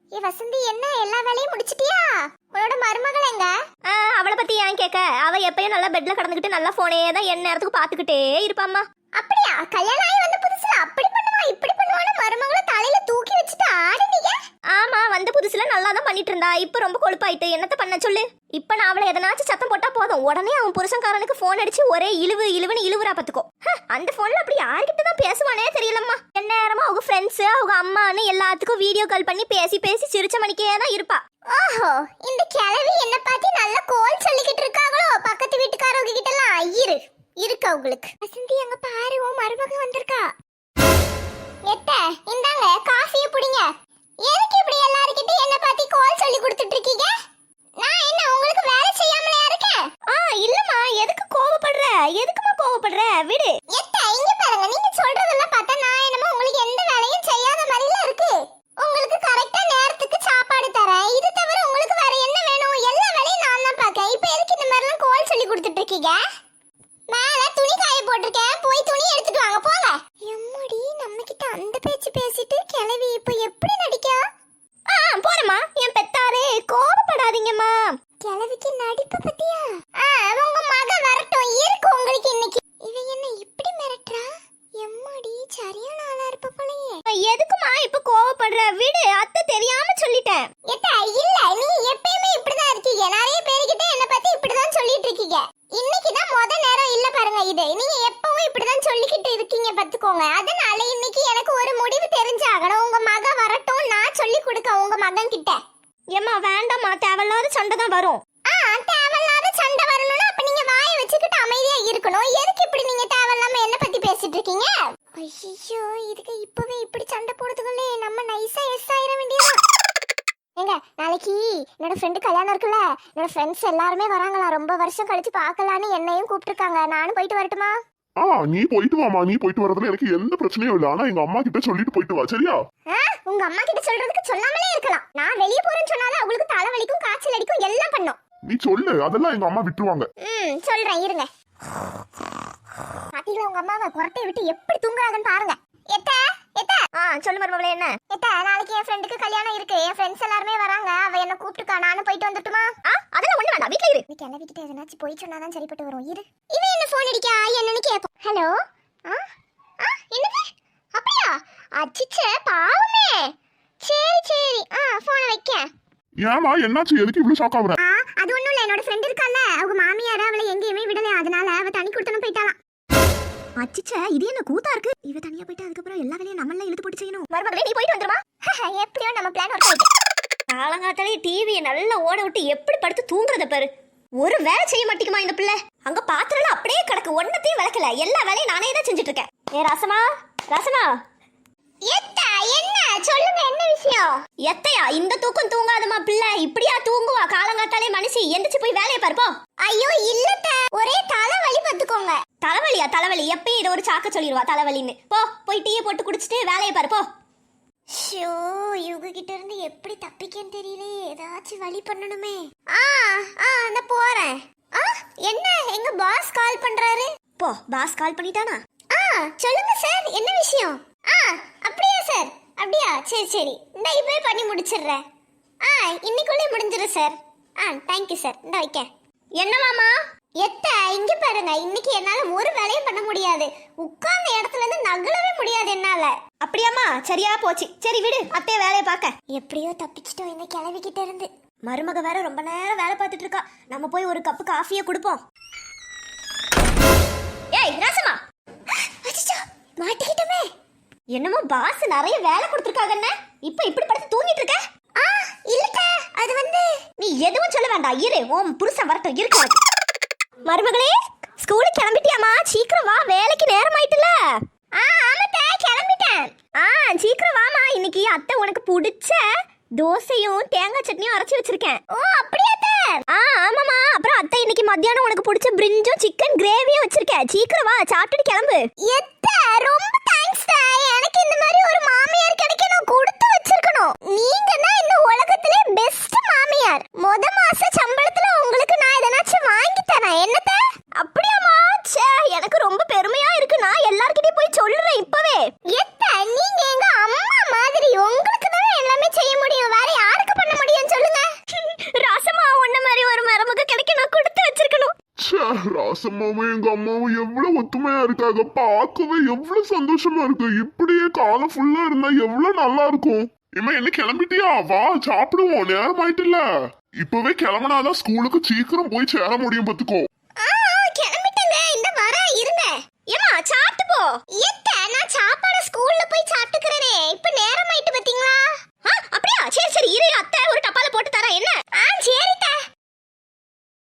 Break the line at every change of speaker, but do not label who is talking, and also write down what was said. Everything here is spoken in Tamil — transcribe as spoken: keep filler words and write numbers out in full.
ஏ வசந்தி, என்ன எல்லா வேலையும் முடிச்சிட்டியா? உன்னோட மருமகள் எங்க?
அவளை பத்தி ஏன் கேட்க? அவ எப்பயும் நல்லா பெட்ல கடந்துக்கிட்டு நல்லா போனே தான் என் நேரத்துக்கு பாத்துக்கிட்டே இருப்பாம்மா.
அப்படியா? கல்யாணம் ஆகி வந்த புதுசுல அப்படி பண்ணுவா இப்படி பண்ணுவான்னு மருமகளை தலையில தூக்கி வச்சுட்டு ஆடுனீங்க?
ஆமா, வந்த புதுசுல நல்லா தான் பண்ணிட்டு இருந்தா. இப்ப ரொம்ப கொழுப்பாயிட்டு என்னத்த பண்ண சொல்லு. இப்ப நான் அவளை எதனாச்சும் சத்தம் போட்டா போதும், உடனே அவன் புருஷன்காரனுக்கு போன் அடிச்சு ஒரே இழுவு இழுவுன்னு இழுவுறா பாத்துக்கோ. அந்த போன்ல அப்படி யார்கிட்ட தான் பேசுவானே தெரியலம்மா. என்ன நேரமா அவங்க ஃப்ரெண்ட்ஸ் அவங்க அம்மான்னு எல்லாத்துக்கும் வீடியோ கால் பண்ணி பேசி பேசி சிரிச்ச மணிக்கே தான் இருப்பா.
ஓஹோ, இந்த கிழவி என்ன பார்த்து நல்ல கோல் சொல்லிக்கிட்டு இருக்காங்களோ பக்கத்து வீட்டுக்காரவங்க கிட்ட எல்லாம். இரு இருக்கா உங்களுக்கு. வசந்தி, அங்க பாரு, உன் மருமக வந்திருக்கா. எத்த இந்தாங்க காஃபிய புடிங்க. எதுக்கு இப்படி எல்லார்கிட்ட என்ன பார்த்து கோல் சொல்லி கொடுத்துட்டு இருக்கீங்க? நான் என்ன உங்களுக்கு வேலை செய்யாமலையா இருக்கேன்?
ஆ இல்லம்மா, எதுக்கு கோவப்படுற? எதுக்குமா கோவப்படுற? விடு.
எத்த இங்க பாருங்க, நீங்க சொல்றதெல்லாம் பார்த்தா நான் என்னமோ உங்களுக்கு எந்த வேலையும் செய்யாத மாதிரில இருக்கு. உங்களுக்கு கரெக்ட்டா நேரத்துக்கு சாப்பாடு தரேன். இது தவிர உங்களுக்கு வேற என்ன வேணும்? எல்லா வேலையும் நான் தான் பார்க்கேன். இப்போ எதுக்கு இந்த மாதிரி எல்லாம் கோல் சொல்லி கொடுத்துட்டு இருக்கீங்க? மேல துணி காய போட்டிருக்கேன், போய் துணி எடுத்துட்டு வாங்க போங்க. எம்மடி, நம்ம கிட்ட அந்த பேச்சு பேசிட்டு கிளவி இப்போ எப்படி நடிக்கா?
ஆ போறமா, என் பெத்தாரே கோவப்படாதீங்கம்மா.
கிளவிக்கு நடிப்பு பத்தியா? ஆ உங்க மக வரட்டும், இருக்கு உங்களுக்கு இன்னைக்கு. இவ என்ன இப்படி மிரட்டறா? எம்மடி, சரியான ஆளா இருப்ப போலயே.
எதுக்குமா இப்ப கோவப்படுற? விடு, அத்தை தெரியாம சொல்லிட்டேன்.
ஏத்தா இல்ல, நீ எப்பயுமே இப்படிதான் இருக்கீங்க. நிறைய பேர்கிட்ட என்ன பத்தி இப்படிதான் சொல்லிட்டு இருக்கீங்க. இன்னைக்கு தான் முத நேரம் இல்ல பாருங்க இது. நீங்க எப்பவும் இப்படிதான் சொல்லிக்கிட்டு இருக்கீங்க பாத்துக்கோங்க. அதனால இன்னைக்கு எனக்கு ஒரு முடிவு தெரிஞ்சாகணும். உங்க மக வரட்டும், நான் சொல்லி கொடுக்க உங்க மகன் கிட்ட.
ஏம்மா வேண்டாம்மா, தேவையில்லாத சண்டை தான் வரும்.
ஆ தேவையில்லாத சண்டை வரணும்னா அப்ப நீங்க வாயை வச்சுக்கிட்டு அமைதியா இருக்கணும். எதுக்கு இப்படி நீங்க தேவையில்லாம என்ன பத்தி பேசிட்டு இருக்கீங்க? ஐயோ, இதுக்கு இப்பவே இப்படி சண்டை போடுறதுக்குள்ளே நம்ம நைஸா எஸ் ஆயிர வேண்டியதா. ஏங்க, நாளைக்கு என்னோட ஃப்ரெண்டு கல்யாணம் இருக்குல்ல, என்னோட ஃப்ரெண்ட்ஸ் எல்லாருமே வராங்களா. ரொம்ப வருஷம் கழிச்சு பார்க்கலான்னு என்னையும் கூப்பிட்டுருக்காங்க. நானும் போயிட்டு வரட்டுமா?
ஆ நீ போயிட்டு வாமா. நீ போயிட்டு வரதுல எனக்கு எந்த பிரச்சனையும் இல்ல. ஆனா எங்க அம்மா கிட்ட சொல்லிட்டு போயிட்டு வா, சரியா?
உங்க அம்மா கிட்ட சொல்றதுக்கு சொல்லாமலே இருக்கலாம். நான் வெளிய போறேன்னு சொன்னாலும் அவங்களுக்கு தலைவலிக்கும் காய்ச்சல் அடிக்கும் எல்லாம் பண்ணும்.
நீ சொல்லு, அதெல்லாம் எங்க அம்மா விட்டுருவாங்க.
ம் சொல்றேன், இருங்க. பாத்தீங்களா உங்க அம்மாவை குரட்டை விட்டு எப்படி தூங்குறாங்கன்னு பாருங்க. எத்த எத்த
ஆ சொல்லு மருமகளே. என்ன?
எத்த, நாளைக்கு என் ஃப்ரெண்டுக்கு கல்யாணம் இருக்கு. என் ஃப்ரெண்ட்ஸ் எல்லாரும் வராங்க. அவ என்ன கூப்பிட்டுக்கா. நானும் போயிட்டு வந்துட்டுமா?
ஆ அதெல்லாம் ஒண்ணு வேண்டாம், வீட்ல இரு.
நீ கிளவிக்கிட்ட எதனாச்சும் போய் சொன்னாதான் சரிப்பட்டு வரும். இரு. இவன் என்ன ஃபோன் அடிக்கா? என்னன்னு கேப்போம். ஹலோ. ஆ ஆ என்னது? அப்படியா? அச்சிச்சே, பாவமே. சரி சரி, ஆ போனை வைக்க.
ஏமா என்னாச்சு? எதுக்கு இவ்வளவு ஷாக் ஆகுற?
ஆ அது ஒண்ணும் இல்ல, என்னோட ஃப்ரெண்ட் இருக்கால, அவங்க மாமியார் அவளை எங்கேயுமே விடல. அதனால அவ தனி கொடுத்தனும் போயிட்டாளாம்.
அச்சிச்சே, இது என்ன கூத்தா இருக்கு? இவ தனியா போயிட்டு அதுக்கப்புறம் எல்லா வேலையும் நம்மள இழுத்து போட்டு செய்யணும். மருமகளே நீ போயிட்டு வந்துருமா?
எப்படியோ நம்ம பிளான் ஒர்க் ஆயிட்டு.
காலங்காத்தாலே டிவியை நல்லா ஓட விட்டு எப்படி படுத்து தூங்குறத பாரு. ஒரு வேலை செய்ய மாட்டேங்குமா இந்த பிள்ளை? அங்க பாத்திரம் அப்படியே கிடக்கு, ஒன்னத்தையும் விளக்கல. எல்லா வேலையும் நானே தான் செஞ்சுட்டு இருக்கேன். ஏ ரசமா, ரசமா.
எத்தா என்ன சொல்லுங்க, என்ன விஷயம்?
எத்தையா இந்த தூக்கம் தூங்காதமா பிள்ளை? இப்படியா தூங்குவா காலங்காத்தாலே மனுஷி? எந்திரிச்சு போய் வேலையை பார்ப்போ.
ஐயோ இல்லத்த, ஒரே தலைவலி பார்த்துக்கோங்க.
தலைவலியா? தலைவலி எப்பயும் இதை ஒரு சாக்க சொல்லிடுவா தலைவலின்னு. போ போய் டீயை போட்டு குடிச்சிட்டு வேலையை பார்ப்போ.
ஷோ, இவங்க கிட்ட இருந்து எப்படி தப்பிக்கன்னு தெரியலையே. ஏதாச்சும் வழி பண்ணணுமே. ஆ ஆ நான் போறேன். ஆ என்ன, எங்க பாஸ் கால் பண்றாரு.
போ, பாஸ் கால் பண்ணிட்டானா?
ஆ சொல்லுங்க சார், என்ன விஷயம்? ஆ அப்படியா சார்? அப்படியா, சரி சரி, இந்த இப்பவே பண்ணி முடிச்சிடுறேன். ஆ இன்னைக்குள்ளே முடிஞ்சிடும் சார். ஆ தேங்க்யூ சார், இந்த வைக்க.
என்னவாமா?
எத்த இங்க பாருங்க, இன்னைக்கு என்னால ஒரு வேலையும் பண்ண முடியாது. உட்கார்ந்த இடத்துல இருந்து நகலவே முடியாது என்னால.
அப்படியாமா? சரியா போச்சு. சரி விடு, அத்தைய வேலையை பார்க்க.
எப்படியோ தப்பிச்சிட்டோம் இந்த கிளவிக்கிட்ட இருந்து.
மருமக வேற ரொம்ப நேரம் வேலை பார்த்துட்டு இருக்கா. நம்ம போய் ஒரு கப்பு காஃபியை கொடுப்போம். ஏய் ரசமா,
மாட்டிக்கிட்டோமே.
என்னமோ பாஸ் நிறைய வேலை கொடுத்துருக்காங்கன்னு இப்ப இப்படி படுத்து தூங்கிட்டு இருக்க?
ஆ இல்லக்க, அது வந்து
நீ எதுவும் சொல்ல வேண்டாம், இரு. ஓம் புருஷன் வரட்டும், இருக்கு. மருமகளே, ஸ்கூலுக்கு கிளம்பிட்டியாமா? சீக்கிரம் வா, வேலைக்கு நேரம் ஆயிட்டுல.
ஆ ஆமாத்தா, கிளம்பிட்டேன்.
ஆ சீக்கிரம் வாமா, இன்னைக்கு அத்தை உனக்கு பிடிச்ச தோசையும் தேங்காய் சட்னியும் அரைச்சி வச்சிருக்கேன்.
ஓ அப்படியாத்தா?
ஆ ஆமாமா. அப்புறம் அத்தை இன்னைக்கு மத்தியானம் உனக்கு பிடிச்ச பிரிஞ்சும் சிக்கன் கிரேவியும் வச்சிருக்கேன். சீக்கிரம் வா, சாப்பிட்டுட்டு கிளம்பு.
எத்த ரொம்ப தேங்க்ஸ் டா. எனக்கு இந்த மாதிரி ஒரு மாமியார் கிடைக்க நான் கொடுத்து வச்சிருக்கணும். நீங்க தான் இந்த உலகத்திலே பெஸ்ட் மாமியார். முத மாச சம்பளத்துல உங்களுக்கு நான் எதனாச்சும் வாங்கி தரேன். என்னத்த?
அப்படியாமா? ச்சே, எனக்கு ரொம்ப பெருமையா இருக்கு. நான் எல்லார்கிட்டயும் போய் சொல்றேன் இப்பவே.
எத்த நீங்க எங்க அம்மா மாதிரி. உங்களுக்கு தான் எல்லாமே செய்ய முடியும், வேற
ராசம்மாவும் எங்க அம்மாவும் எவ்வளவு ஒத்துமையா இருக்காங்க. பார்க்கவே எவ்வளவு சந்தோஷமா இருக்கு. இப்படியே காலம் ஃபுல்லா இருந்தா எவ்வளவு நல்லா இருக்கும். இம்மா என்ன கிளம்பிட்டியா? வா சாப்பிடுவோம், நேரம் ஆயிட்டுல. இப்பவே கிளம்புனாதான் ஸ்கூலுக்கு சீக்கிரம் போய் சேர முடியும். பாத்துக்கோ.
கிளம்பிட்டங்க, இந்த வர இருங்க.
ஏமா சாப்பிட்டு போ.
ஏ